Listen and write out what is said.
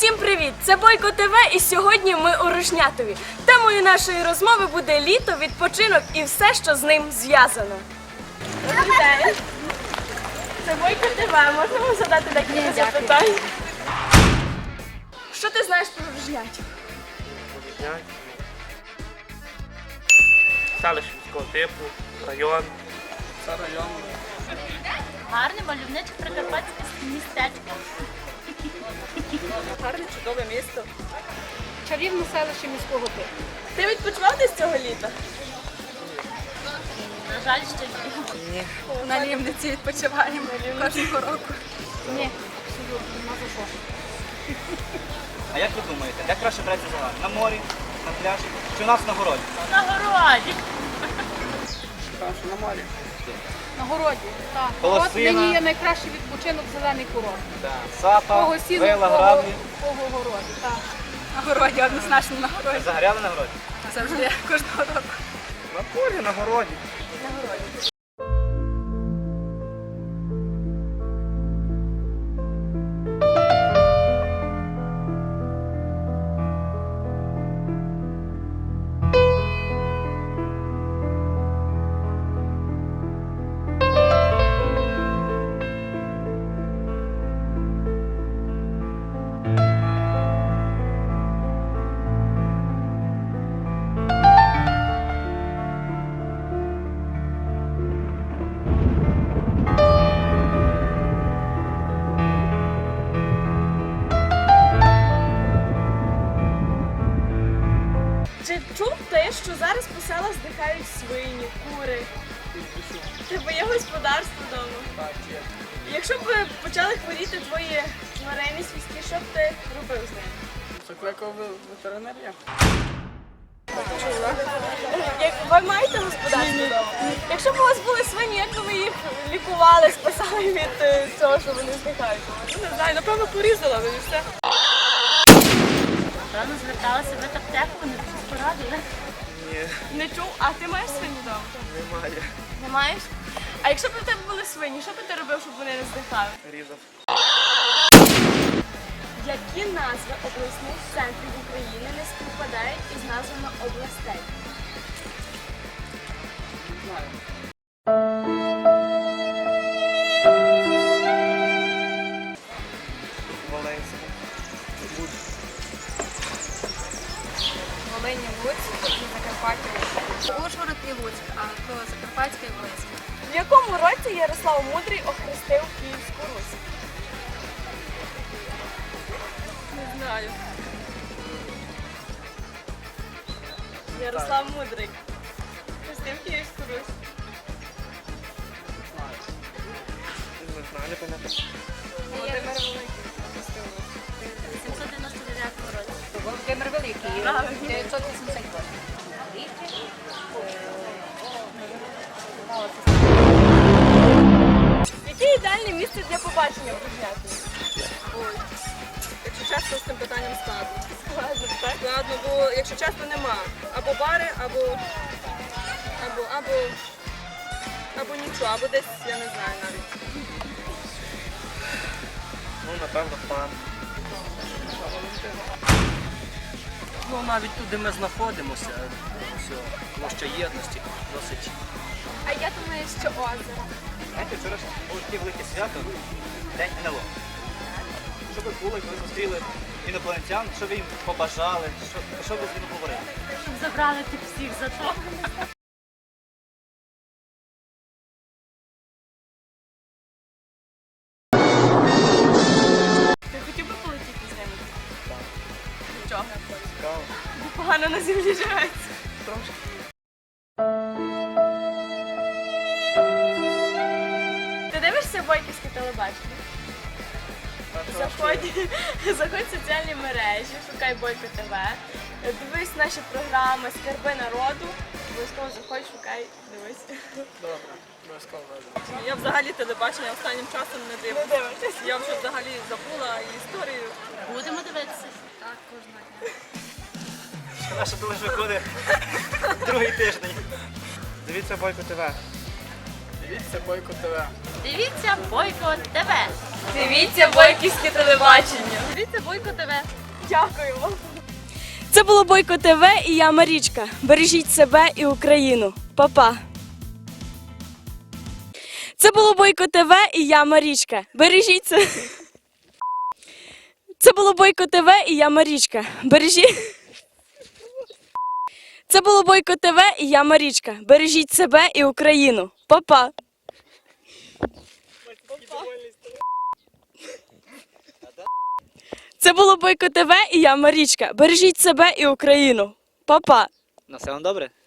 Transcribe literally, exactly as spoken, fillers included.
Всім привіт! Це Бойко ТВ і сьогодні ми у Рушнятові. Темою нашої розмови буде літо, відпочинок і все, що з ним зв'язано. Добрий день! Це Бойко ТВ. Можна вам задати декілька запитань? Що ти знаєш про Рушнятів? Рушнятів? Селище міського типу, район. Це район. Гарне мальовниче прикарпатське містечко. Гарне, чудове місто. Чарівне селище міського типу. Ти відпочивав десь цього літа? На жаль, що ні. На Лівниці відпочиваємо кожного року. Ні, абсолютно, нема за що. А як ви думаєте, де краще брати загар? На морі, на пляжі чи у нас на городі? На городі. На морі. На городі, так. Колосина. От нині є найкращий відпочинок зелений курорт. Да. Сапа, Кого сіну, вила, кого, граблі. кого городі, так. На городі, однозначно на Ви городі. загоряли на городі? Завжди, кожного року. На полі, на городі. Чи чув ти, що зараз по селах здихають свині, кури? Тебе є господарство вдома? Так, є. Якщо б почали хворіти твої тварини свійські, що б ти робив з ними? Закликав ветеринарія. Як ви маєте господарство вдома? Якщо б у вас були свині, як би ви їх лікували, спасали від е, цього, що вони здихають? Ну, не знаю, напевно, порізала би і все. Напевно, зверталася в аптеку, вони щось порадили. Ні, Не чув? А ти маєш свині вдома? немає. Не маєш? А якщо б у тебе були свині, що б ти робив, щоб вони не здихали? Різав. Які назви обласних центрів України не співпадають із назвами областей? Не знаю. Волинська. Луцьк. Волині, Луцьк і Закарпаття. Ужгород і Луцьк, а то Закарпатська і Волинська. В якому році Ярослав Мудрий охрестив Київську Русь? Не знаю. Ярослав Мудрий охрестив Київську Русь. Не знаю, не пам'ятаю. Володимир Великий охрестив Русь. сімсот дев'яносто дев'ятому році. Володимир Великий, Правильно. дев'ятсот вісімдесят восьмий. Яке ідеальне місце для побачення в Ружняті? Ой, якщо чесно, з цим питанням складно. Складно, так? Складно, бо якщо чесно, нема. Або бари, або або, або, або нічого, або десь, я не знаю навіть. Ну, напевно, пан. Ну, навіть тут, де ми знаходимося, все, площа єдності досить. А я думаю, що озеро. Знаєте, вчора ж було таке велике свято, День ен ел о. Що ви були, коли зустріли інопланетян, що ви їм побажали, що, що ви з ними говорили? Щоб забрали тих всіх за то. Ти хотів би полетіти з ними? Так. Чого? Цікаво. Бо погано на землі живеться. Трошки. Ти дивишся бойківське телебачення? Заходь, заходь в соціальні мережі, шукай Бойко ТВ, дивись наші програми Скарби народу, обов'язково заходь, шукай, дивись. Добре, обов'язково. Я взагалі телебачення останнім часом не Не дивлюся. дивишся. Я вже взагалі забула історію. Будемо дивитися. Так, кожного дня. Шкода, що лише виходить другий тиждень. Дивіться Бойко ТВ. Дивіться Бойко ТВ. Дивіться Бойко ТВ. Дивіться бойківське телебачення. Дивіться Бойко ТВ. Дякуємо. Це було Бойко ТВ і я Марічка. Бережіть себе і Україну. Па-па. Це було Бойко ТВ і я Марічка. Бережіть себе. Це було Бойко ТВ і я Марічка. Бережіть. Це було Бойко ТВ і я Марічка. Бережіть себе і Україну. Па-па. Це було Бойко ТВ і я Марічка. Бережіть себе і Україну. Па-па. На все вам добре?